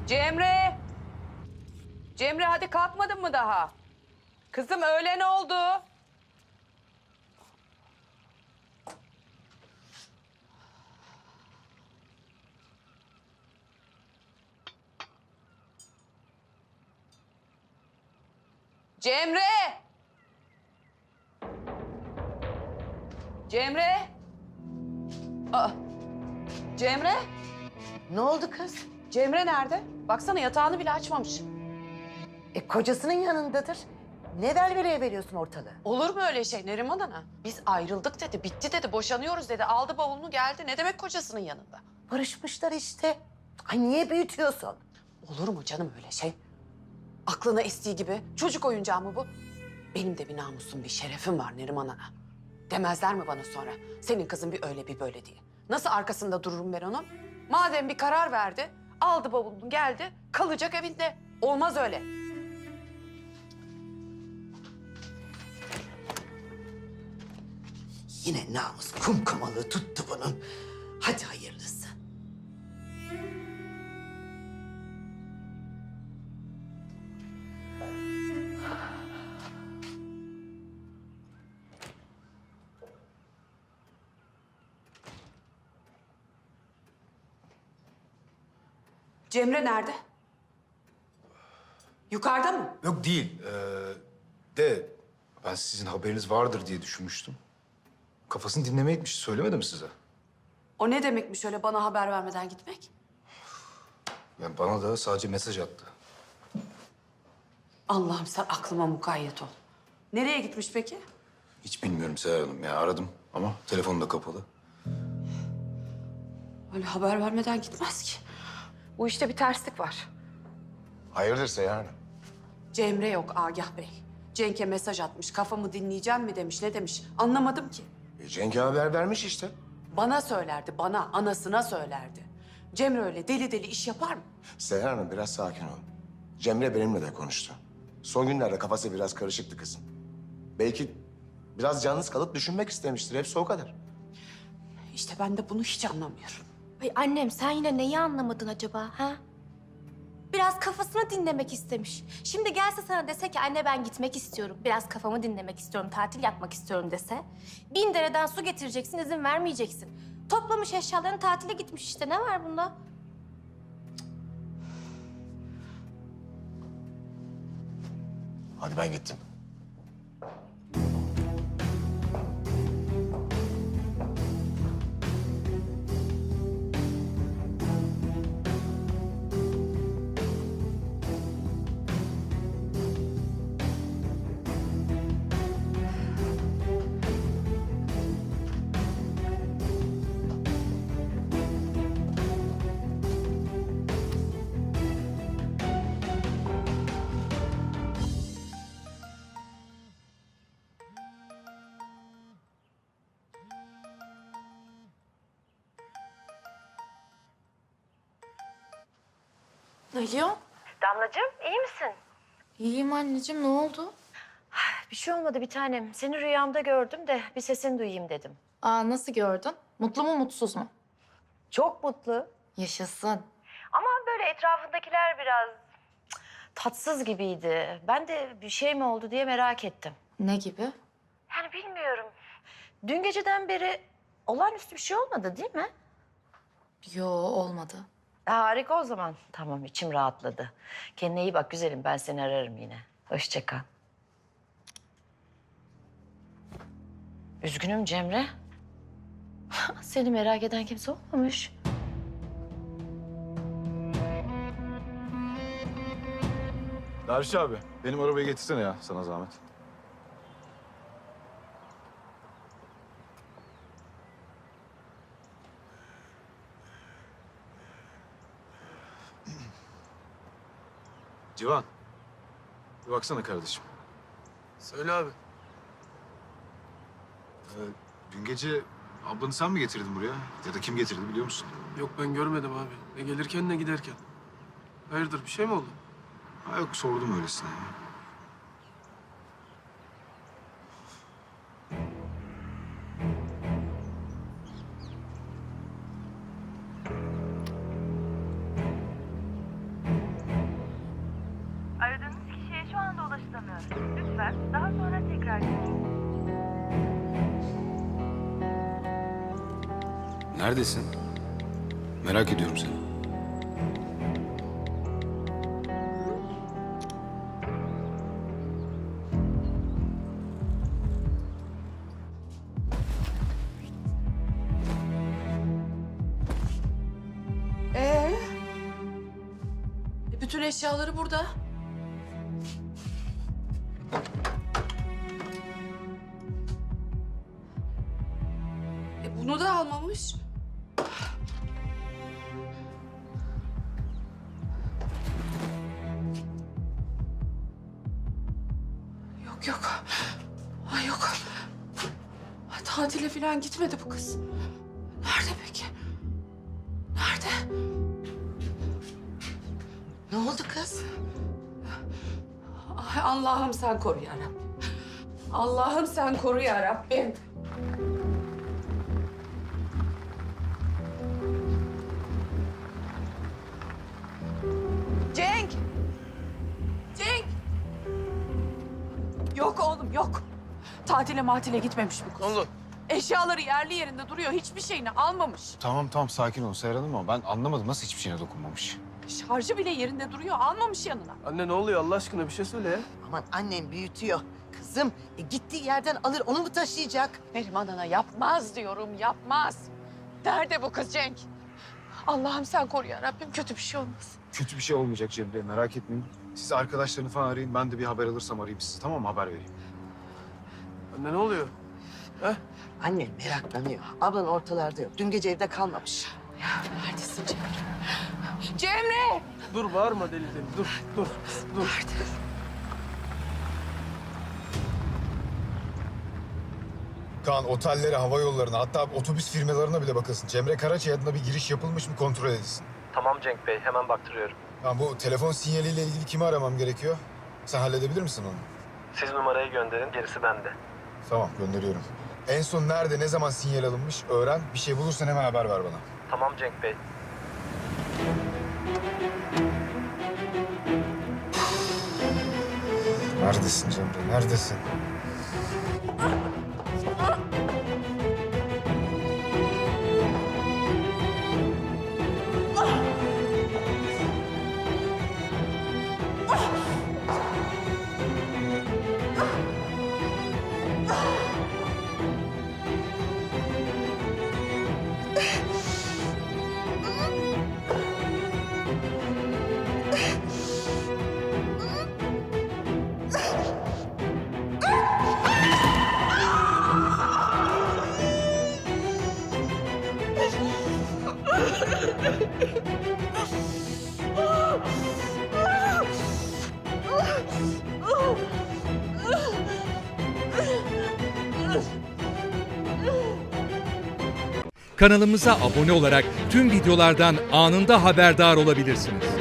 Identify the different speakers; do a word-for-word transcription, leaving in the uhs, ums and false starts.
Speaker 1: Cemre! Cemre hadi kalkmadın mı daha? Kızım öğlen oldu. Cemre! Cemre! Aa, Cemre?
Speaker 2: Ne oldu kız?
Speaker 1: Cemre nerede? Baksana yatağını bile açmamış.
Speaker 2: E kocasının yanındadır. Ne velveleye veriyorsun ortalığı?
Speaker 1: Olur mu öyle şey Neriman Ana? Biz ayrıldık dedi, bitti dedi, boşanıyoruz dedi. Aldı bavulunu geldi. Ne demek kocasının yanında?
Speaker 2: Barışmışlar işte. Ay niye büyütüyorsun?
Speaker 1: Olur mu canım öyle şey? Aklına estiği gibi çocuk oyuncağı mı bu? Benim de bir namusum, bir şerefim var Neriman Ana. Demezler mi bana sonra? Senin kızın bir öyle bir böyle diye. Nasıl arkasında dururum ben onun? Madem bir karar verdi, aldı bavulunu geldi, kalacak evinde. Olmaz öyle.
Speaker 2: Yine namus kumkumalığı tuttu bunun. Hadi hayırlısı.
Speaker 1: Cemre nerede? Yukarıda mı?
Speaker 3: Yok değil. Ee, de ben sizin haberiniz vardır diye düşünmüştüm. Kafasını dinlemeye gitmiş. Söylemedim size.
Speaker 1: O ne demekmiş öyle bana haber vermeden gitmek?
Speaker 3: Yani bana da sadece mesaj attı.
Speaker 1: Allah'ım sen aklıma mukayyet ol. Nereye gitmiş peki?
Speaker 3: Hiç bilmiyorum Seher Hanım. Ya aradım ama telefonu da kapalı.
Speaker 1: Öyle haber vermeden gitmez ki. Bu işte bir terslik var.
Speaker 4: Hayırdır Seher Hanım?
Speaker 1: Cemre yok Agah Bey. Cenk'e mesaj atmış. Kafamı dinleyeceğim mi demiş, ne demiş? Anlamadım ki.
Speaker 4: E, Cenk'e haber vermiş işte.
Speaker 1: Bana söylerdi, bana, anasına söylerdi. Cemre öyle deli deli iş yapar mı?
Speaker 4: Seher Hanım biraz sakin ol. Cemre benimle de konuştu. Son günlerde kafası biraz karışıktı kızım. Belki biraz yalnız kalıp düşünmek istemiştir. Hepsi o kadar.
Speaker 1: İşte ben de bunu hiç anlamıyorum.
Speaker 5: Ay annem sen yine neyi anlamadın acaba ha? Biraz kafasını dinlemek istemiş. Şimdi gelse sana dese ki anne ben gitmek istiyorum. Biraz kafamı dinlemek istiyorum, tatil yapmak istiyorum dese. Bin dereden su getireceksin, izin vermeyeceksin. Toplamış eşyalarını tatile gitmiş işte. Ne var bunda?
Speaker 4: Hadi ben gittim.
Speaker 5: Alo.
Speaker 6: Damlacığım iyi misin?
Speaker 5: İyiyim anneciğim, ne oldu?
Speaker 6: Bir şey olmadı bir tanem. Seni rüyamda gördüm de bir sesini duyayım dedim.
Speaker 5: Aa nasıl gördün? Mutlu mu mutsuz mu?
Speaker 6: Çok mutlu.
Speaker 5: Yaşasın.
Speaker 6: Ama böyle etrafındakiler biraz cık, tatsız gibiydi. Ben de bir şey mi oldu diye merak ettim.
Speaker 5: Ne gibi?
Speaker 6: Yani bilmiyorum. Dün geceden beri olağanüstü bir şey olmadı değil mi?
Speaker 5: Yo olmadı.
Speaker 6: Harika o zaman. Tamam içim rahatladı. Kendine iyi bak güzelim. Ben seni ararım yine. Hoşça kal. Üzgünüm Cemre. Seni merak eden kimse olmamış.
Speaker 3: Derviş abi, benim arabayı getirsene ya sana zahmet. Civan, bir baksana kardeşim.
Speaker 7: Söyle abi.
Speaker 3: Ee, dün gece ablanı sen mi getirdin buraya? Ya da kim getirdi biliyor musun?
Speaker 7: Yok ben görmedim abi. Ne gelirken ne giderken. Hayırdır bir şey mi oldu?
Speaker 3: Ha yok, sordum öylesine ya.
Speaker 8: Lütfen daha sonra tekrar görüşün.
Speaker 3: Neredesin? Merak ediyorum seni.
Speaker 1: Ee? E, bütün eşyaları burada. E, bunu da almamış. Yok yok. Ay yok. Ay, tatile falan gitmedi bu kız. Nerede peki? Nerede?
Speaker 2: Ne oldu kız?
Speaker 1: Ay Allah'ım sen koru ya Rabbim. Allah'ım sen koru ya Rabbim. Cenk! Cenk! Yok oğlum yok. Tatile matile gitmemiş bu kız.
Speaker 7: Ne oldu?
Speaker 1: Eşyaları yerli yerinde duruyor. Hiçbir şeyini almamış.
Speaker 3: Tamam tamam sakin ol Seher Hanım ama ben anlamadım nasıl hiçbir şeyine dokunmamış.
Speaker 1: Şarjı bile yerinde duruyor. Almamış yanına.
Speaker 7: Anne ne oluyor Allah aşkına bir şey söyle ya.
Speaker 2: Aman annem büyütüyor. Kızım e, gittiği yerden alır onu mu taşıyacak?
Speaker 1: Neriman Ana yapmaz diyorum, yapmaz. Nerede bu kız Cenk? Allah'ım sen koru ya Rabbim, kötü bir şey olmasın.
Speaker 3: Kötü bir şey olmayacak Cemre merak etmeyin. Siz arkadaşlarını falan arayın ben de bir haber alırsam arayayım sizi tamam mı haber vereyim.
Speaker 7: Anne ne oluyor? He?
Speaker 2: Annem meraklanıyor. Ablan ortalarda yok. Dün gece evde kalmamış.
Speaker 1: Neredesin Cemre? Cemre!
Speaker 7: Dur bağırma deli deli dur dur dur.
Speaker 3: Kaan otellere, hava yollarına hatta otobüs firmalarına bile bakılsın. Cemre Karaçay adına bir giriş yapılmış mı kontrol edilsin.
Speaker 9: Tamam Cenk Bey, hemen baktırıyorum.
Speaker 3: Tamam bu telefon sinyaliyle ilgili kimi aramam gerekiyor? Sen halledebilir misin onu?
Speaker 9: Siz numarayı gönderin, gerisi bende.
Speaker 3: Tamam gönderiyorum. En son nerede, ne zaman sinyal alınmış öğren. Bir şey bulursan hemen haber ver bana.
Speaker 9: Tamam Cenk Bey.
Speaker 3: Neredesin Cemre, neredesin?
Speaker 10: Kanalımıza abone olarak tüm videolardan anında haberdar olabilirsiniz.